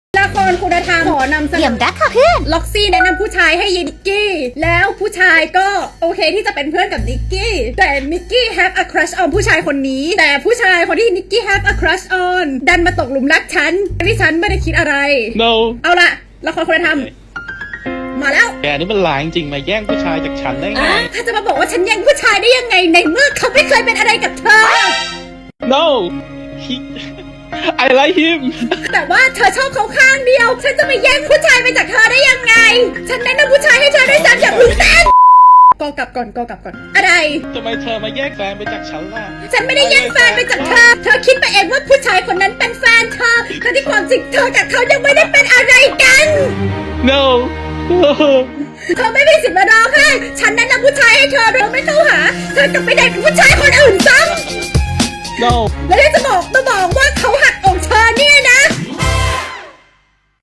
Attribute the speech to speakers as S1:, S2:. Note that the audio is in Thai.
S1: ละครคุณธรรมขอนำเสน
S2: เยี่ยม
S1: อ
S2: รักค่ะเพื่อน
S1: ล็อกซี่แนะนำผู้ชายให้ยินิกกี้ แล้วผู้ชายก็โอเคที่จะเป็นเพื่อนกับนิกกี้ แต่นิกกี้ have a crush on ผู้ชายคนนี้ แต่ผู้ชายคนที่นิกกี้ have a crush on ดันมาตกหลุมรักฉันที่ฉันไม่ได้คิดอะไร
S3: no
S1: เอาละละครคุณธรรมมาแล้ว
S3: แกนี่มันหลายจริงมาแย่งผู้ชายจากฉันได้ไง
S1: ถ้าจะมาบอกว่าฉันแย่งผู้ชายได้ยังไงในเมื่อเขาไม่เคยเป็นอะไรกับเธอ
S3: no he I like him
S1: แต่ว่าเธอชอบเขาข้างเดียว ฉันจะไปแย่งผู้ชายไปจากเธอได้ยังไง ฉันแนะนำผู้ชายให้เธอด้วยซ้ำอย่าพึ่งเต้นก็กลับก่อนอะไร
S3: ทำไมเธอมาแย่งแฟนไปจากฉันล่ะ
S1: ฉันไม่ได้แย่งแฟนไปจากเธอ เธอคิดไปเองว่าผู้ชายคนนั้นเป็นแฟนเธอแต่ที่ความจริงเธอกับเขายังไม่ได้เป็นอะไรกัน
S3: no
S1: เธอไม่มีสิทธิ์มาร้องไห้ฉันแนะนำผู้ชายให้เธอเธอไม่เข้าหา เธอกลับไปได้กับผู้ชายคนอื่นซ้ำ
S3: no
S1: แล้วที่จะบอกว่าเขาหักอกเธอเนี่ยนะ